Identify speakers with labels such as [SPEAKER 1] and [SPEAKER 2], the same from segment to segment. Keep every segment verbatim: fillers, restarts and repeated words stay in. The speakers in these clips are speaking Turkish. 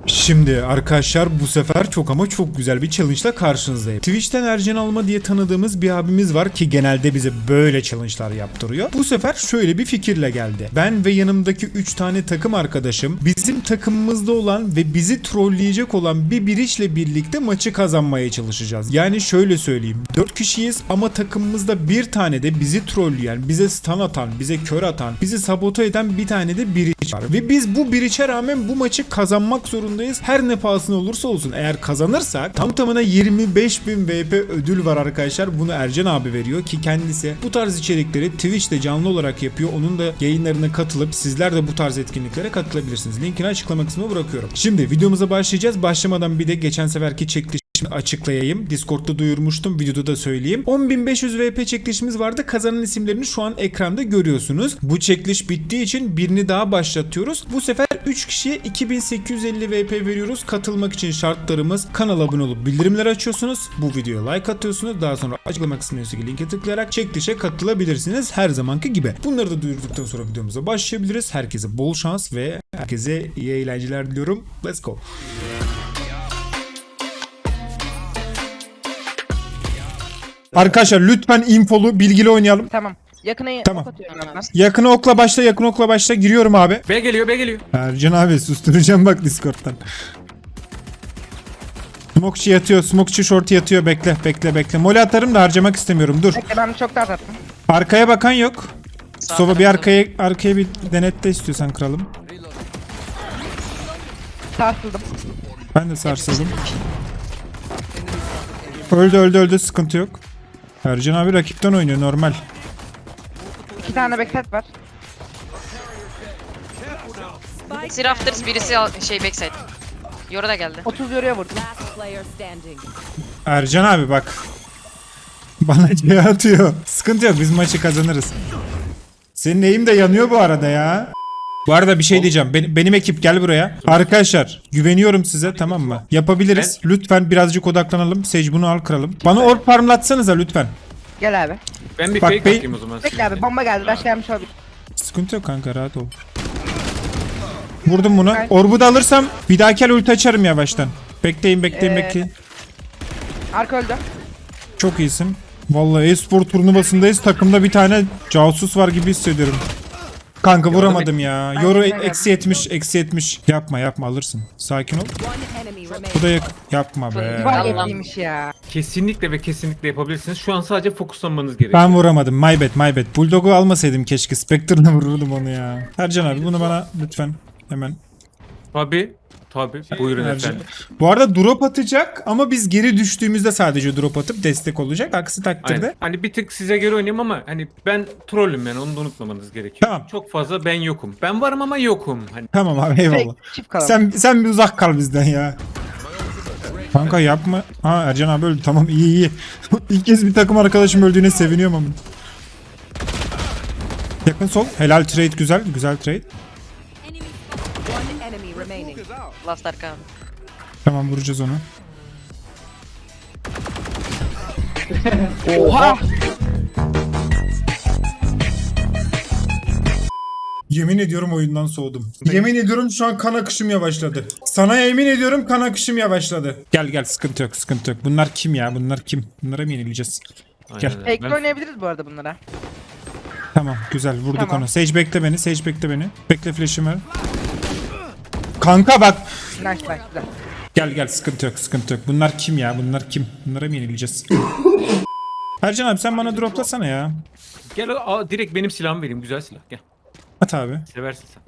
[SPEAKER 1] Şimdi arkadaşlar bu sefer çok ama çok güzel bir challenge ile karşınızdayım. Twitch'ten Ercan Alma diye tanıdığımız bir abimiz var ki genelde bize böyle challenge'lar yaptırıyor. Bu sefer şöyle bir fikirle geldi. Ben ve yanımdaki üç tane takım arkadaşım bizim takımımızda olan ve bizi trolleyecek olan bir biriçle birlikte maçı kazanmaya çalışacağız. Yani şöyle söyleyeyim. dört kişiyiz ama takımımızda bir tane de bizi trolleyen, bize stun atan, bize kör atan, bizi sabote eden bir tane de biriç var. Ve biz bu biriçe rağmen bu maçı kazanmak zorundayız. Her ne pahasına olursa olsun. Eğer kazanırsak tam tamına yirmi beş bin V P ödül var arkadaşlar. Bunu Ercan abi veriyor ki kendisi bu tarz içerikleri Twitch'te canlı olarak yapıyor. Onun da yayınlarına katılıp sizler de bu tarz etkinliklere katılabilirsiniz. Linkini açıklama kısmına bırakıyorum. Şimdi videomuza başlayacağız. Başlamadan bir de geçen seferki çekiliş açıklayayım. Discord'da duyurmuştum. Videoda da söyleyeyim. on bin beş yüz V P çekilişimiz vardı. Kazanan isimlerini şu an ekranda görüyorsunuz. Bu çekiliş bittiği için birini daha başlatıyoruz. Bu sefer üç kişiye iki bin sekiz yüz elli V P veriyoruz. Katılmak için şartlarımız: kanala abone olup bildirimleri açıyorsunuz. Bu videoya like atıyorsunuz. Daha sonra açıklama kısmındaki linke tıklayarak çekilişe katılabilirsiniz. Her zamanki gibi. Bunları da duyurduktan sonra videomuza başlayabiliriz. Herkese bol şans ve herkese iyi eğlenceler diliyorum. Let's go. Arkadaşlar lütfen infolu, bilgili oynayalım.
[SPEAKER 2] Tamam. Yakına
[SPEAKER 1] Tamam.
[SPEAKER 2] ok atıyorum ben.
[SPEAKER 1] Yakına okla başla, yakın okla başla. Giriyorum abi.
[SPEAKER 3] B geliyor, B geliyor.
[SPEAKER 1] Ercan abi susturacağım bak Discord'dan. Smokeçi yatıyor, smokeçi short yatıyor. Bekle, bekle, bekle. Mole atarım da harcamak istemiyorum. Dur.
[SPEAKER 2] Bekle, ben çok daha attım.
[SPEAKER 1] Arkaya bakan yok. Sova bir arkaya arkaya bir denetle istiyorsan kralım.
[SPEAKER 2] Sarsıldım.
[SPEAKER 1] Ben de sarsıldım. Öldü öldü öldü, sıkıntı yok. Ercan abi rakipten oynuyor normal.
[SPEAKER 2] İki tane backside var.
[SPEAKER 4] Birisi Rafters, birisi al- şey backside. Yoru da geldi.
[SPEAKER 2] otuz yoruya vurdum.
[SPEAKER 5] Last player standing.
[SPEAKER 1] Ercan abi bak. Bana C atıyor. Sıkıntı yok, biz maçı kazanırız. Senin eğim de yanıyor bu arada ya. Bu arada bir şey diyeceğim. Benim, benim ekip gel buraya. Arkadaşlar güveniyorum size, tamam mı? Yapabiliriz. Lütfen birazcık odaklanalım. Sage bunu al kralım. Bana orb farmlatsanıza lütfen.
[SPEAKER 2] Gel abi.
[SPEAKER 3] Ben bir
[SPEAKER 1] Bak,
[SPEAKER 3] fake
[SPEAKER 1] bey-
[SPEAKER 3] atayım o zaman.
[SPEAKER 2] Bekle abi, bomba geldi. Rush gelmiş olabilir.
[SPEAKER 1] Sıkıntı yok kanka, rahat ol. Vurdum bunu. Orbu da alırsam bir dahaki el ulti açarım yavaştan. Bekleyin bekleyin
[SPEAKER 2] Ee,
[SPEAKER 1] bekleyin.
[SPEAKER 2] Arka öldü.
[SPEAKER 1] Çok iyisin. Vallahi e-spor turnuvasındayız. Takımda bir tane casus var gibi hissediyorum. Kanka vuramadım ya. Yoru
[SPEAKER 2] Aynen öyle.
[SPEAKER 1] eksi yetmiş, eksi yetmiş. Yapma yapma, alırsın. Sakin ol.
[SPEAKER 5] One enemy
[SPEAKER 1] Bu
[SPEAKER 5] remaining.
[SPEAKER 1] da yak- yapma be.
[SPEAKER 2] Var
[SPEAKER 4] Allah'ım.
[SPEAKER 2] yetliymiş ya.
[SPEAKER 3] Kesinlikle ve kesinlikle yapabilirsiniz. Şu an sadece fokuslanmanız gerekiyor.
[SPEAKER 1] Ben vuramadım. My bad, my bad. Bulldog'u almasaydım keşke. Spectre'la vururdum onu ya. Ercan abi bunu bana lütfen hemen.
[SPEAKER 3] Tabii. Tabii. Buyurun
[SPEAKER 1] Ercan.
[SPEAKER 3] efendim.
[SPEAKER 1] Bu arada drop atacak ama biz geri düştüğümüzde sadece drop atıp destek olacak. Aksi takdirde.
[SPEAKER 3] Aynen. Hani bir tık size göre oynayayım ama hani ben trollüm yani, onu da unutmamanız gerekiyor.
[SPEAKER 1] Tamam.
[SPEAKER 3] Çok fazla ben yokum. Ben varım ama yokum. Hani
[SPEAKER 1] Tamam abi, eyvallah.
[SPEAKER 2] Fake, çift kalalım.
[SPEAKER 1] Sen sen bir uzak kal bizden ya. Kanka yapma. Ha Ercan abi öldü. Tamam, iyi iyi. İlk kez bir takım arkadaşım öldüğüne seviniyorum ama. Yakın sol. Helal trade, güzel. Güzel trade.
[SPEAKER 5] One enemy remaining.
[SPEAKER 4] Last arka.
[SPEAKER 1] Tamam, vuracağız onu.
[SPEAKER 2] Oha!
[SPEAKER 1] Yemin ediyorum oyundan soğudum. Yemin ediyorum şu an kan akışım yavaşladı. Sana yemin ediyorum kan akışım yavaşladı. Gel gel, sıkıntı yok sıkıntı yok. Bunlar kim ya? Bunlar kim? Bunlara mı yenileceğiz? Gel.
[SPEAKER 3] aynen.
[SPEAKER 2] Fake'le
[SPEAKER 3] Ben-
[SPEAKER 2] oynayabiliriz bu arada bunlara.
[SPEAKER 1] Tamam güzel, vurduk
[SPEAKER 2] Tamam.
[SPEAKER 1] onu. Sage bekle beni. Sage bekle beni. Bekle, flash'ım var. Kanka bak.
[SPEAKER 2] Nice nice güzel.
[SPEAKER 1] Gel gel, sıkıntı yok sıkıntı yok. Bunlar kim ya? Bunlar kim? Bunlara mı yenileceğiz? Ercan abi sen bana droplasana ya.
[SPEAKER 3] Gel aa, direkt benim silahımı vereyim. Güzel silah. Gel.
[SPEAKER 1] At abi.
[SPEAKER 3] Seversin sen.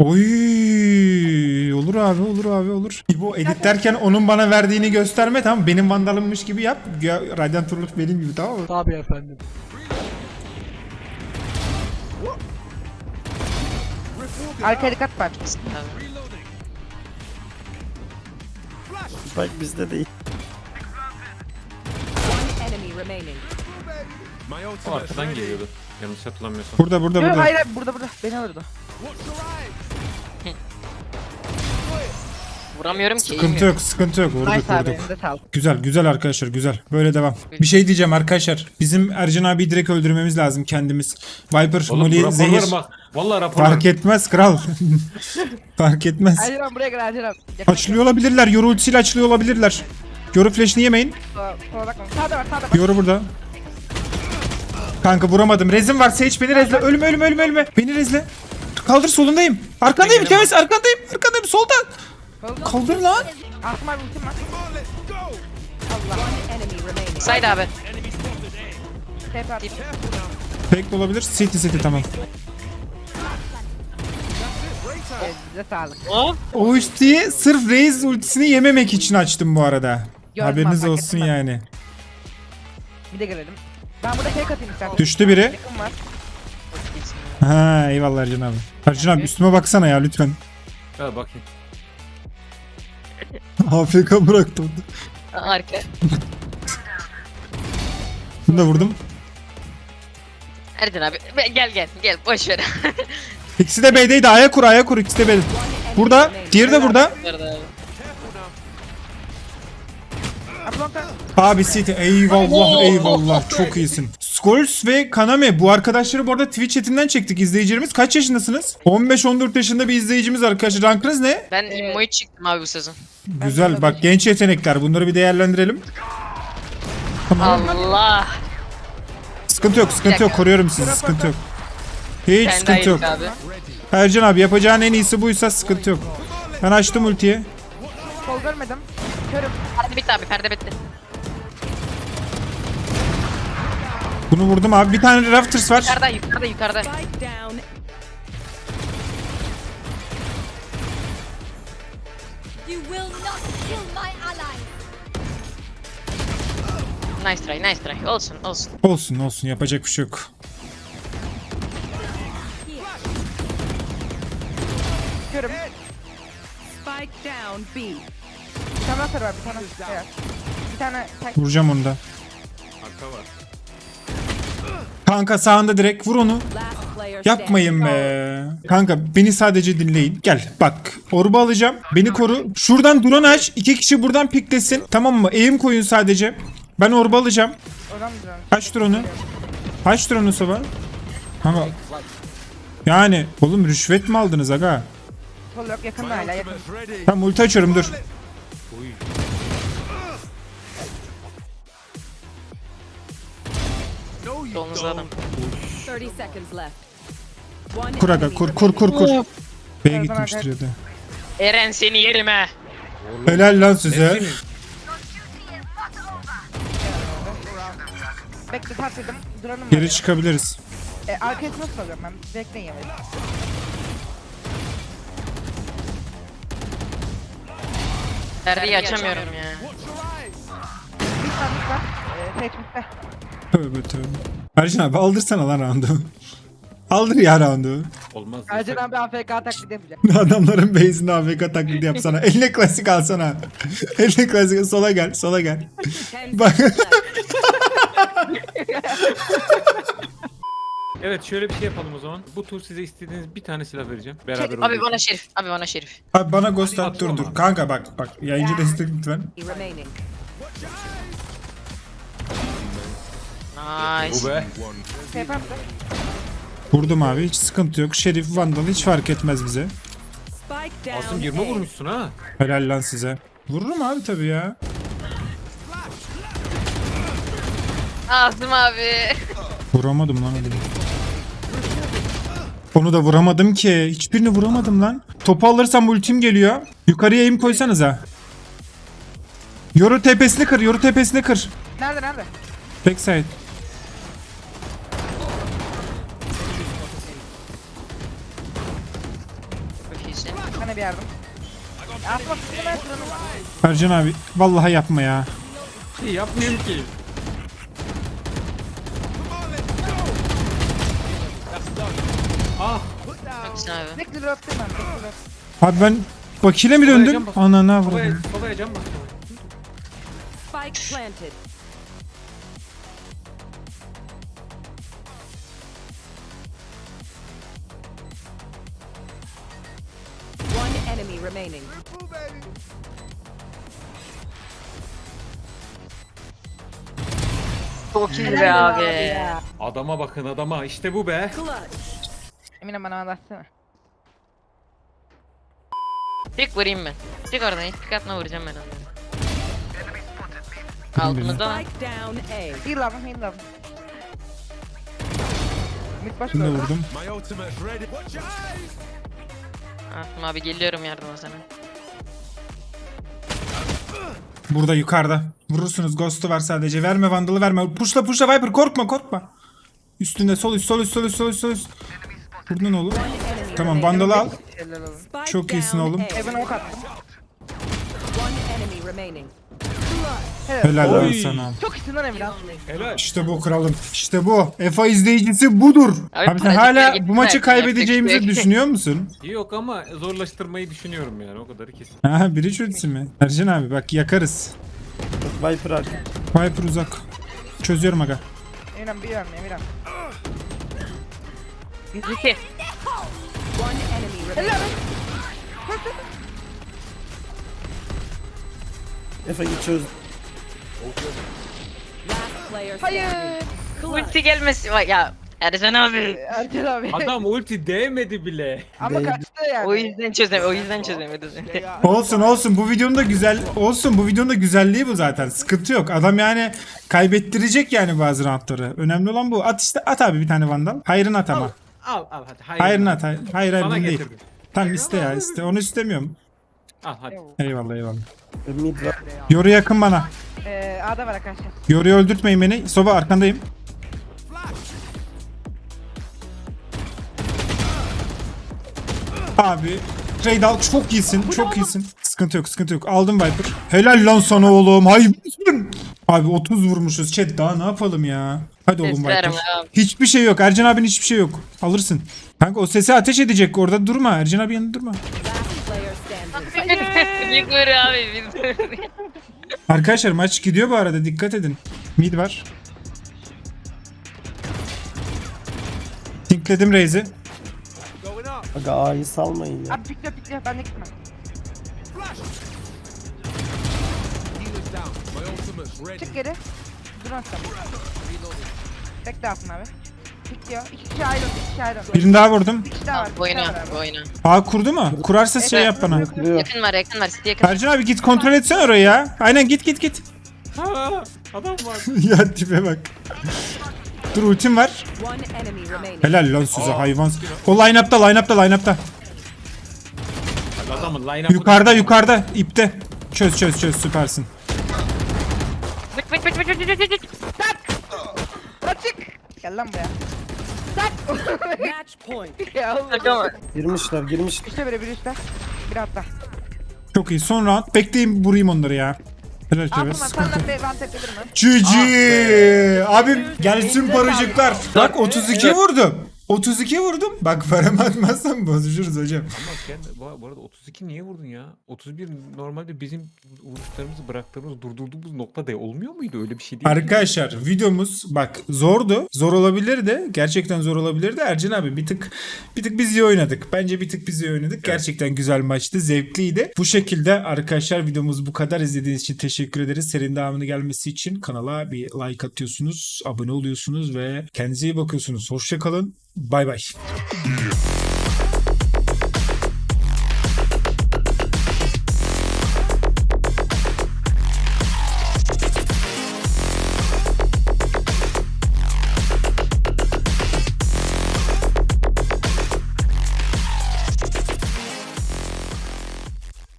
[SPEAKER 1] Oy, olur abi olur abi olur. Bu editlerken onun bana verdiğini gösterme, tamam mı? Benim vandalımmış gibi yap. Ya, Radiant Turlut benim gibi, tamam mı?
[SPEAKER 2] Tabii efendim. Arkaya dikkat var.
[SPEAKER 4] Tabii.
[SPEAKER 6] Bak bizde değil.
[SPEAKER 5] One enemy remaining.
[SPEAKER 3] O arkadan geliyordu. Yanlış hatırlamıyorsam.
[SPEAKER 1] Burada burada
[SPEAKER 2] Yok
[SPEAKER 1] burada.
[SPEAKER 2] hayır hayır, burada burada. Beni vurdu.
[SPEAKER 4] Vuramıyorum ki.
[SPEAKER 1] Sıkıntı yok, sıkıntı yok. Vurduk,
[SPEAKER 2] Nice abi.
[SPEAKER 1] vurduk.
[SPEAKER 2] Elinde sağlık.
[SPEAKER 1] Güzel, güzel arkadaşlar, güzel. Böyle devam. Bir şey diyeceğim arkadaşlar. Bizim Ercan abi direkt öldürmemiz lazım kendimiz. Viper,
[SPEAKER 3] Oğlum bu
[SPEAKER 1] Molly, Zehir.
[SPEAKER 3] raporlarım bak. Valla raporlarım.
[SPEAKER 1] Fark etmez kral. Fark etmez.
[SPEAKER 2] Ercan abi buraya gel Ercan abi. Yakın-
[SPEAKER 1] Açılıyor olabilirler. Yoru ultisiyle açılıyor olabilirler. Yoru flash'ını yemeyin.
[SPEAKER 2] Sola sola bakma. Sağda var sağda var.
[SPEAKER 1] Yoru burada. Kanka vuramadım. Rezim var. Sage beni rezle. Ölme ölme ölme ölme. Beni rezle. Kaldır, solundayım. Arkandayım Kemes, arkandayım. Arkandayım solda. Kaldır lan.
[SPEAKER 2] Asım abi ultim var.
[SPEAKER 5] Enemy remaining.
[SPEAKER 4] Side abi.
[SPEAKER 2] Tep at.
[SPEAKER 1] Fake de olabilir. City city tamam.
[SPEAKER 2] Elinde sağlık.
[SPEAKER 1] O ultiyi sırf Raze ultisini yememek için açtım bu arada.
[SPEAKER 2] Gördüm
[SPEAKER 1] Haberiniz
[SPEAKER 2] abi, fark
[SPEAKER 1] olsun
[SPEAKER 2] ettim ben.
[SPEAKER 1] yani.
[SPEAKER 2] Bir de gelelim. Ben burada fake atayım istersen.
[SPEAKER 1] Düştü biri.
[SPEAKER 2] Yakın var.
[SPEAKER 1] Ha eyvallah Ercan abi. Ercan abi üstüme baksana ya lütfen.
[SPEAKER 3] Ha bakayım.
[SPEAKER 1] A F K bıraktı orada.
[SPEAKER 4] Arka.
[SPEAKER 1] Bunu da vurdum.
[SPEAKER 4] Ercan abi be- gel gel gel boş ver.
[SPEAKER 1] İkisi de B'deydi. A'ya kur, A'ya kur. İkisi de B'de. Burada. Diğeri de burada.
[SPEAKER 4] Nerede abi?
[SPEAKER 2] Atlanta.
[SPEAKER 1] Abi City eyvallah eyvallah. Çok iyisin. Scholes ve Kaname bu arkadaşları bu arada Twitch chatinden çektik izleyicilerimiz. Kaç yaşındasınız? on beş on dört yaşında bir izleyicimiz arkadaşlar. Rankınız ne?
[SPEAKER 4] Ben immoyu çıktım abi bu sezon.
[SPEAKER 1] Güzel bak, genç yetenekler. Bunları bir değerlendirelim.
[SPEAKER 4] Allah.
[SPEAKER 1] Sıkıntı yok, sıkıntı yok. Koruyorum sizi, sıkıntı yok. Hiç
[SPEAKER 4] Kendi
[SPEAKER 1] sıkıntı yok.
[SPEAKER 4] ayıp abi.
[SPEAKER 1] Ercan abi yapacağın en iyisi buysa sıkıntı yok. Ben açtım ultiyi.
[SPEAKER 2] Sol görmedim. Körüm.
[SPEAKER 4] Perde bitti abi perde bitti.
[SPEAKER 1] Bunu vurdum abi. Bir tane Rafters var.
[SPEAKER 4] Yukarıda yukarıda yukarıda.
[SPEAKER 5] Spike down.
[SPEAKER 7] You will not kill my ally.
[SPEAKER 4] Nice try nice try. Olsun olsun.
[SPEAKER 1] Olsun olsun, yapacak bir şey yok.
[SPEAKER 2] Körüm.
[SPEAKER 5] Spike down B.
[SPEAKER 2] Bir tane hasar var bir tane. Evet. Bir tane tek.
[SPEAKER 1] Vuracağım onu da.
[SPEAKER 3] Arka var.
[SPEAKER 1] Kanka sağında direkt vur onu.
[SPEAKER 5] Last player
[SPEAKER 1] Yapmayın
[SPEAKER 5] standing.
[SPEAKER 1] be. Kanka beni sadece dinleyin. Gel bak. Orba alacağım. Beni koru. Şuradan drone aç. İki kişi buradan piklesin. Tamam mı? Eğim koyun sadece. Ben orba alacağım.
[SPEAKER 2] Oradan mı duran?
[SPEAKER 1] Kaç drone'u? Kaç drone'u sabah? Kanka. Yani oğlum rüşvet mi aldınız aga?
[SPEAKER 2] Sol yok yakında hala yakın.
[SPEAKER 1] Tamam ulti açıyorum dur.
[SPEAKER 4] Solunuzda adam.
[SPEAKER 5] thirty seconds left. One
[SPEAKER 1] Kur aga
[SPEAKER 5] enemy
[SPEAKER 1] kur kur kur kur.
[SPEAKER 5] remaining.
[SPEAKER 1] B'ye gitmiştir ya da.
[SPEAKER 4] Eren seni yerim he.
[SPEAKER 1] Helal lan size.
[SPEAKER 2] Bekle tartıldım. Duranım var.
[SPEAKER 1] Geri
[SPEAKER 2] ya.
[SPEAKER 1] çıkabiliriz.
[SPEAKER 2] E, arkaya nasıl alıyorum ben? Bekleyin yemeği.
[SPEAKER 4] Perdeyi açamıyorum ya.
[SPEAKER 2] Bir sandık var. E, seçmişte.
[SPEAKER 1] Tövbe tövbe. Ercan abi aldırsana lan roundu. Aldır ya roundu.
[SPEAKER 3] Olmaz.
[SPEAKER 2] Ercan abi A F K taklidi yapacak.
[SPEAKER 1] Adamların base'inde A F K taklidi yapsana. Eline klasik alsana. Eline klasik, sola gel, sola gel.
[SPEAKER 5] Ten
[SPEAKER 1] Bak.
[SPEAKER 5] seconds left.
[SPEAKER 3] Evet şöyle bir şey yapalım o zaman. Bu tur size istediğiniz bir tane silah vereceğim. Beraber
[SPEAKER 4] Abi
[SPEAKER 3] oynayalım.
[SPEAKER 4] bana şerif. Abi bana şerif.
[SPEAKER 1] Abi bana ghost at, dur
[SPEAKER 3] Atıyorum
[SPEAKER 1] dur.
[SPEAKER 3] abi.
[SPEAKER 1] Kanka bak bak. Yayıncı destek lütfen.
[SPEAKER 5] Remaining.
[SPEAKER 4] Nice.
[SPEAKER 3] Bu be.
[SPEAKER 2] Şey yapar mısın?
[SPEAKER 1] Vurdum abi, hiç sıkıntı yok. Şerif, Vandal hiç fark etmez bize.
[SPEAKER 5] Spike down.
[SPEAKER 3] Asım yirmi
[SPEAKER 5] A.
[SPEAKER 3] vurmuşsun ha.
[SPEAKER 1] Helal lan size. Vururum abi tabii ya.
[SPEAKER 4] Asım abi.
[SPEAKER 1] Vuramadım lan adamı. Onu da vuramadım ki. Hiçbirini vuramadım lan. Topu alırsam ultim geliyor. Yukarıya aim koysanıza. Yoru tepesini kır, yoru tepesini kır.
[SPEAKER 2] Nerede nerede?
[SPEAKER 1] Backside.
[SPEAKER 4] Çok iyisin.
[SPEAKER 2] Sana bir yardım. Asma sıkıntı ben duranım var.
[SPEAKER 1] Ercan abi vallahi yapma ya.
[SPEAKER 3] Şey yapmıyorum ki. Ah.
[SPEAKER 4] Çok iyisin abi.
[SPEAKER 2] Bekle dur öptüm ben. Bekle dur.
[SPEAKER 1] Abi ben bakile mi döndüm? Anana
[SPEAKER 3] Solaya,
[SPEAKER 1] vurdum.
[SPEAKER 3] solaya can bas.
[SPEAKER 5] Spike planted. One enemy remaining.
[SPEAKER 4] Çok iyi be abi.
[SPEAKER 2] Ya.
[SPEAKER 3] Adama bakın adama işte bu be.
[SPEAKER 5] Clutch.
[SPEAKER 2] Emine bana anlatsana.
[SPEAKER 4] Tek vurayım ben. Çık oradan hiç pik atma vuracağım ben onu. Altımızda lan.
[SPEAKER 5] Spike down A.
[SPEAKER 2] Heal lan heal lan. Mid baş
[SPEAKER 1] Bunu da
[SPEAKER 2] gördüm.
[SPEAKER 1] vurdum.
[SPEAKER 4] Asım abi geliyorum yardıma sana.
[SPEAKER 1] Burada yukarıda. Vurursunuz. Ghost'u var sadece. Verme Vandal'ı verme. Pushla pushla Viper. Korkma korkma. Üstünde sol üst sol üst sol üst sol üst sol üst. Vurdun oğlum. Tamam Vandal'ı al.
[SPEAKER 2] Helal olsun.
[SPEAKER 5] Spike
[SPEAKER 1] Çok iyisin
[SPEAKER 5] down
[SPEAKER 1] oğlum.
[SPEAKER 5] A.
[SPEAKER 2] Evan ok attım.
[SPEAKER 5] One enemy remaining. Clutch.
[SPEAKER 2] Helal.
[SPEAKER 1] Helal lan
[SPEAKER 3] Oy.
[SPEAKER 1] sana.
[SPEAKER 2] Çok iyisin lan Emine.
[SPEAKER 3] Helal.
[SPEAKER 1] İşte bu kralım. İşte bu. F A izleyicisi budur.
[SPEAKER 4] Abi,
[SPEAKER 1] Abi sen
[SPEAKER 4] pratikler
[SPEAKER 1] hala
[SPEAKER 4] gittiler.
[SPEAKER 1] bu maçı
[SPEAKER 4] Yapacak bir
[SPEAKER 1] kaybedeceğimizi
[SPEAKER 4] şey yok.
[SPEAKER 1] düşünüyor musun?
[SPEAKER 3] Yok ama zorlaştırmayı düşünüyorum yani o kadarı kesin.
[SPEAKER 1] Ha biri çözsün mi? Ercan abi bak yakarız.
[SPEAKER 6] Viper arka.
[SPEAKER 1] Viper uzak. Çözüyorum aga.
[SPEAKER 2] Emine biliyorum Emine.
[SPEAKER 4] yüz iki.
[SPEAKER 5] One enemy remaining.
[SPEAKER 2] Helal.
[SPEAKER 6] Efe git çöz.
[SPEAKER 5] Last player
[SPEAKER 2] Hayır.
[SPEAKER 5] standing. Clutch.
[SPEAKER 4] Ulti gelmesin. Vay ya Ercan abi.
[SPEAKER 2] Ercan abi.
[SPEAKER 3] Adam ulti değmedi bile.
[SPEAKER 2] Ama kaçtı yani.
[SPEAKER 4] O yüzden çözemedi. O yüzden çözemedi.
[SPEAKER 1] Olsun olsun bu videonun da güzel olsun bu videonun da güzelliği bu zaten. Sıkıntı yok. Adam yani kaybettirecek yani bazı roundları. Önemli olan bu. At işte at abi bir tane Vandal. Hayrını at ama.
[SPEAKER 3] Al al hadi. Hayır.
[SPEAKER 1] Hayrını at. Hayır hayır, hayır
[SPEAKER 3] Sana
[SPEAKER 1] bunu değil.
[SPEAKER 3] getirdim.
[SPEAKER 1] Tamam iste ya iste. Onu istemiyorum.
[SPEAKER 3] Al hadi.
[SPEAKER 1] Eyvallah eyvallah.
[SPEAKER 6] Mid var.
[SPEAKER 1] Yoru yakın bana.
[SPEAKER 2] Ee, A'da var arkadaşlar.
[SPEAKER 1] Yoru'yu öldürtmeyin beni. Sova arkandayım. Abi Raydal çok iyisin, çok iyisin. Sıkıntı yok, sıkıntı yok. Aldım Viper. Helal lan sana oğlum. Hayvansın. Abi otuz vurmuşuz. Chat daha ne yapalım ya? Hadi oğlum Viper.
[SPEAKER 4] Seslerim abi.
[SPEAKER 1] Hiçbir şey yok. Ercan abinin hiçbir şey yok. Alırsın. Kanka o sesi ateş edecek. Orada durma. Ercan abi yanında durma.
[SPEAKER 5] Last player standing.
[SPEAKER 4] Büyük vur abi biz.
[SPEAKER 1] Arkadaşlar maç gidiyor bu arada. Dikkat edin. Mid var. Tinkledim Raze'i.
[SPEAKER 6] Aga A'yı salmayın ya.
[SPEAKER 2] Abi pikle pikle ben de gitmem. Çık geri. Dur aslan. Bekle altın abi. Pikliyor. İki kişi ayrıldı. İki kişi ayrıldı.
[SPEAKER 1] Birini daha vurdum.
[SPEAKER 2] Bir kişi daha var. bir kişi
[SPEAKER 4] Oyna
[SPEAKER 2] daha var abi.
[SPEAKER 4] oyna.
[SPEAKER 1] A kurdu mu? Kurarsa şey yap bana.
[SPEAKER 6] Kırıyor.
[SPEAKER 4] Yakın var yakın var. City yakın.
[SPEAKER 1] Ercan abi git kontrol etsene orayı ya. Aynen git git git.
[SPEAKER 3] Ha, adam var.
[SPEAKER 1] Ya tipe bak. Dur ultim var.
[SPEAKER 5] One enemy remaining.
[SPEAKER 1] Helal lan size hayvan. O line-up'ta line-up'ta line-up'ta.
[SPEAKER 3] Adamın line-up'ı.
[SPEAKER 1] Yukarıda yukarıda ipte. Çöz çöz çöz süpersin.
[SPEAKER 4] Bık bık bık bık bık bık bık.
[SPEAKER 2] Bırak çık. Gel lan buraya.
[SPEAKER 5] Match point.
[SPEAKER 2] Ya oğlum.
[SPEAKER 4] Takama.
[SPEAKER 6] Girmişler girmiş.
[SPEAKER 2] Üste biri biri üstte. Bir hatta.
[SPEAKER 1] Çok iyi. Son round. Bekleyin vurayım onları ya. Helal
[SPEAKER 2] Aa
[SPEAKER 1] tebe.
[SPEAKER 2] bunlar
[SPEAKER 1] Sıkıntı.
[SPEAKER 2] senden bir van tepedir mi?
[SPEAKER 1] G G. Abim gelsin paracıklar. Bak otuz iki vurdum. otuz iki vurdum. Bak paramı atmazsam bozuşuruz hocam.
[SPEAKER 3] Ama kendi, bu, bu arada otuz iki niye vurdun ya? otuz bir normalde bizim vuruşlarımızı bıraktığımız, durdurduğumuz nokta da olmuyor muydu? Öyle bir şey değil mi?
[SPEAKER 1] Arkadaşlar videomuz bak zordu. Zor olabilirdi. Gerçekten zor olabilirdi. Ercan abi bir tık bir tık biz iyi oynadık. Bence bir tık biz iyi oynadık. Gerçekten güzel maçtı. Zevkliydi. Bu şekilde arkadaşlar videomuz bu kadar. İzlediğiniz için teşekkür ederiz. Serinin devamını gelmesi için kanala bir like atıyorsunuz. Abone oluyorsunuz ve kendinize iyi bakıyorsunuz. Hoşça kalın. Bay bay.